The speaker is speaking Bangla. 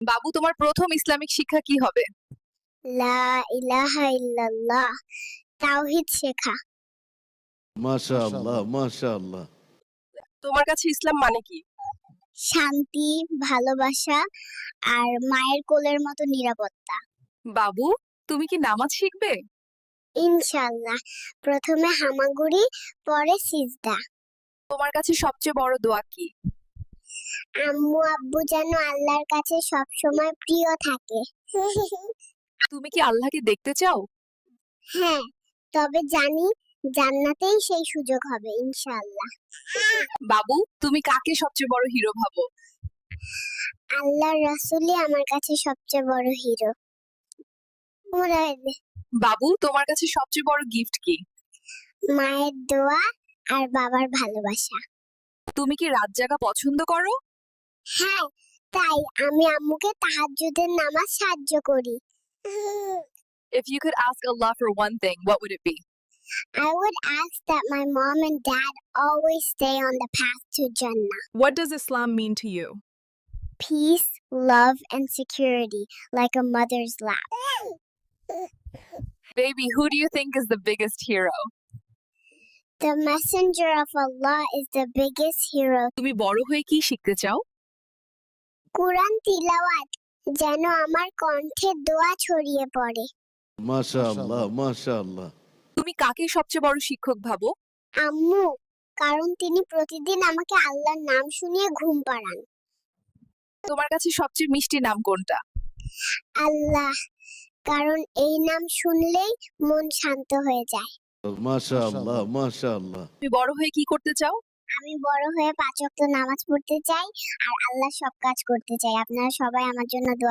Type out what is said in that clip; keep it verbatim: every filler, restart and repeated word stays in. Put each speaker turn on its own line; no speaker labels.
বাবু, তোমার প্রথম ইসলামিক শিক্ষা কি হবে?
লা ইলাহা ইল্লাল্লাহ, তাওহীদ শেখা।
মাশাআল্লাহ মাশাআল্লাহ।
তোমার কাছে ইসলাম মানে কি?
শান্তি, ভালোবাসা আর মায়ের কোলের মতো নিরাপত্তা।
বাবু, তুমি কি নামাজ শিখবে?
ইনশাআল্লাহ, প্রথমে হামাগুড়ি, পরে সিজদা।
তোমার কাছে সবচেয়ে বড় দোয়া কি?
আম্মু আব্বু যেন আল্লাহর কাছে সবসময় প্রিয় থাকে।
তুমি কি আল্লাহকে দেখতে চাও?
হ্যাঁ, তবে জানি জান্নাতেই সেই সুযোগ হবে ইনশাআল্লাহ।
বাবু, তুমি কাকে সবচেয়ে বড় হিরো ভাবো?
আল্লাহর রাসূলই আমার কাছে সবচেয়ে বড় হিরো। ওরা
বাবু, তোমার কাছে সবচেয়ে বড় গিফট কি?
মায়ের দোয়া আর বাবার ভালোবাসা।
তুমি কি রাত জাগা পছন্দ করো?
হ্যাঁ, তাই আমি আম্মুকে তাহাজ্জুদের নামাজ সাহায্য করি।
If you could ask Allah for one thing, what would it be?
I would ask that my mom and dad always stay on the path to Jannah.
What does Islam mean to you?
Peace, love, and security, like a mother's lap.
Baby, who do you think is the biggest hero?
The messenger of Allah is the biggest hero.
তুমি বড় হয়ে কি শিখতে চাও?
কুরআন তিলাওয়াত যেন আমার কণ্ঠে দোয়া ছড়িয়ে পড়ে।
মাশাআল্লাহ মাশাআল্লাহ।
তুমি কাকে সবচেয়ে বড় শিক্ষক ভাবো?
আম্মু, কারণ তিনি প্রতিদিন আমাকে আল্লাহর নাম শুনিয়ে ঘুম পাড়ান।
তোমার কাছে সবচেয়ে মিষ্টি নাম কোনটা?
আল্লাহ, কারণ এই নাম শুনলেই মন শান্ত হয়ে যায়।
মাশাআল্লাহ মাশাআল্লাহ।
তুমি বড় হয়ে কি করতে চাও?
আমি বড় হয়ে পাঁচ ওয়াক্ত নামাজ পড়তে চাই আর আল্লাহর সব কাজ করতে চাই। আপনারা সবাই আমার জন্য দোয়া